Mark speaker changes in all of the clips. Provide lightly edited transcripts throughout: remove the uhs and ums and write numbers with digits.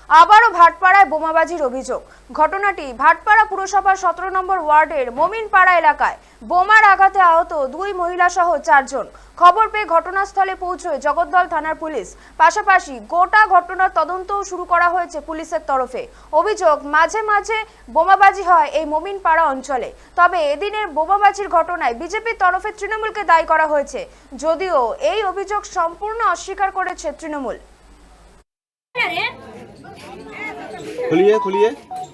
Speaker 1: আবারও ভাটপাড়ায় বোমাবাজির অভিযোগ। ঘটনাটি ভাটপাড়া পুরসভার 17 নম্বর ওয়ার্ডের মোমিনপাড়া এলাকায়। বোমার আঘাতে আহত 2 মহিলা সহ 4 জন। খবর পেয়ে ঘটনাস্থলে পৌঁছয় জগদ্দল থানার পুলিশ। পাশাপাশি গোটা ঘটনার তদন্তও শুরু করা হয়েছে পুলিশের তরফে। অভিযোগ, মাঝে মাঝে বোমাবাজি হয় এই মোমিনপাড়া অঞ্চলে। তবে এদিনের বোমাবাজির ঘটনায় বিজেপির তরফে তৃণমূলকে দায়ী করা হয়েছে, যদিও এই অভিযোগ সম্পূর্ণ অস্বীকার করেছে তৃণমূল।
Speaker 2: खुलिए खुलिए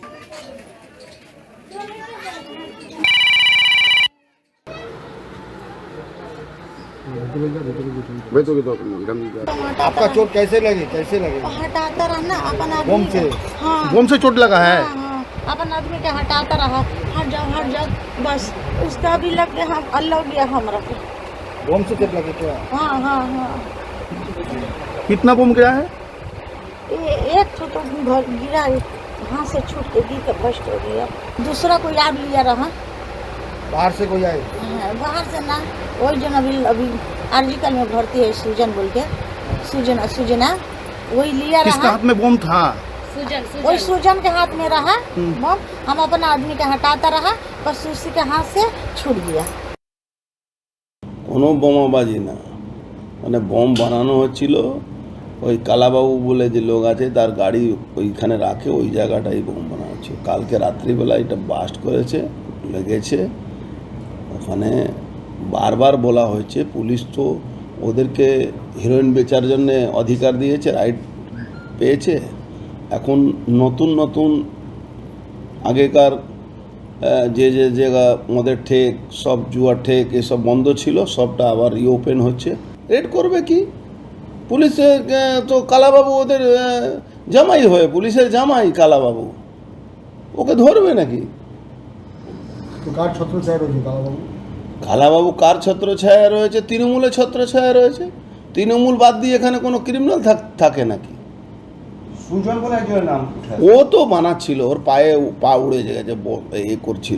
Speaker 3: आपका चोट कैसे लगी
Speaker 4: हटाता रहा ना अपन आदमी
Speaker 3: बम से
Speaker 4: हाँ
Speaker 3: बम से चोट लगा है
Speaker 4: हाँ अपन आदमी के हटाता रहा। हट जाओ बस उसका भी लग गया। हम अल्लाह गया हमरा को।
Speaker 3: बम से चोट लगी क्या?
Speaker 4: हाँ हाँ हाँ
Speaker 3: कितना बम गिरा है?
Speaker 4: ये एक तो गिरा, हाथ से छूट के गिर के बस्ट हो गया। दूसरा कोई याद लिया रहा।
Speaker 3: बाहर से कोई आए?
Speaker 4: हाँ, बाहर से ना, वही जन अभी आर्जिकल में भर्ती है, सूजन बोल के, सूजना वही लिया
Speaker 3: किसका
Speaker 4: रहा।
Speaker 3: हाथ में बम था?
Speaker 4: वही सूजन के हाथ में रहा बम। हम अपना आदमी के हटाता रहा, बस उसी के हाथ से छूट गया।
Speaker 2: কোনো বোমাবাজি না, মানে বম বানানো হচ্ছিল। ওই কালাবাবু বলে যে লোক আছে, তার গাড়ি ওইখানে রাখে, ওই জায়গাটাই বোম বানানো হচ্ছে। কালকে রাত্রিবেলা এটা বাস্ট করেছে, লেগেছে ওখানে। বারবার বলা হয়েছে, পুলিশ তো ওদেরকে হিরোইন বেচার জন্য অধিকার দিয়েছে, রাইট পেয়েছে। এখন নতুন নতুন আগেকার যে যে জায়গা মদের ঠেক, সব জুয়ার ঠেক, এসব বন্ধ ছিল, সবটা আবার রিওপেন হচ্ছে। রেড করবে কি পুলিশের? তো কালাবাবু ওদের জামাই হয়ে, পুলিশের জামাই কালাবাবু, ওকে ধরবে নাকি?
Speaker 3: কার ছত্রছায়া রয়েছে কালাবাবু?
Speaker 2: কালাবাবু কার ছত্রছায়া রয়েছে? তৃণমূলের ছত্রছায়া রয়েছে। তৃণমূল বাদ দিয়ে এখানে কোনো ক্রিমিনাল থাকে নাকি?
Speaker 3: সুজন বলে একজনের নাম
Speaker 2: ও তো বানাচ্ছিল, ওর পায়ে পা উড়ে গেছে, এ করছিল।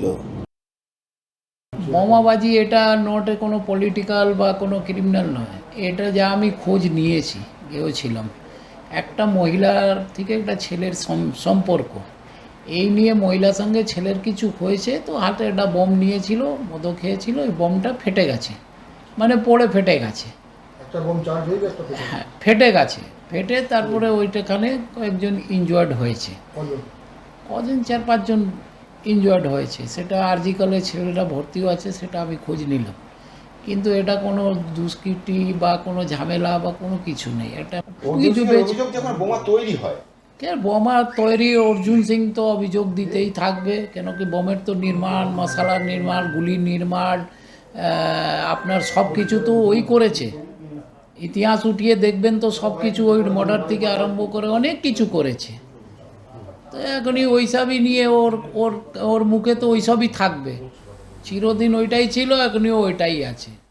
Speaker 5: বোমাবাজি এটা নট কোনো পলিটিক্যাল বা কোনো ক্রিমিনাল নয়। এটা যা আমি খোঁজ নিয়েছি, গিয়েছিলাম, একটা মহিলার থেকে একটা ছেলের সম্পর্ক, এই নিয়ে মহিলার সঙ্গে ছেলের কিছু হয়েছে। তো হাতে একটা বম নিয়েছিল, মদও খেয়েছিল, ওই বমটা ফেটে গেছে, মানে পড়ে ফেটে গেছে।
Speaker 3: একটা বম চার্জ হয়ে গেছে?
Speaker 5: হ্যাঁ, ফেটে গেছে। ফেটে তারপরে ওইটাখানে কয়েকজন ইনজুয়ার্ড হয়েছে। কজন 4-5 জন ইনজুয়ার্ড হয়েছে। সেটা আরজিকলে ছেলেটা ভর্তিও আছে, সেটা আমি খোঁজ নিলাম। কিন্তু এটা কোনো দুষ্কৃতি বা কোনো ঝামেলা বা কোনো কিছু নেই। এটা
Speaker 2: যখন বোমা তৈরি হয়,
Speaker 5: বোমা তৈরি অর্জুন সিং তো অভিযোগ দিতেই থাকবে, কেন কি বোমের তো নির্মাণ, মশালার নির্মাণ, গুলির নির্মাণ, আপনার সব কিছু তো ওই করেছে। ইতিহাস উঠিয়ে দেখবেন তো সব কিছু ওই মর্ডার থেকে আরম্ভ করে অনেক কিছু করেছে। তো এখনই ওইসবই নিয়ে ওর মুখে তো ওইসবই থাকবে, চিরদিন ওইটাই ছিল, এখনই ওইটাই আছে।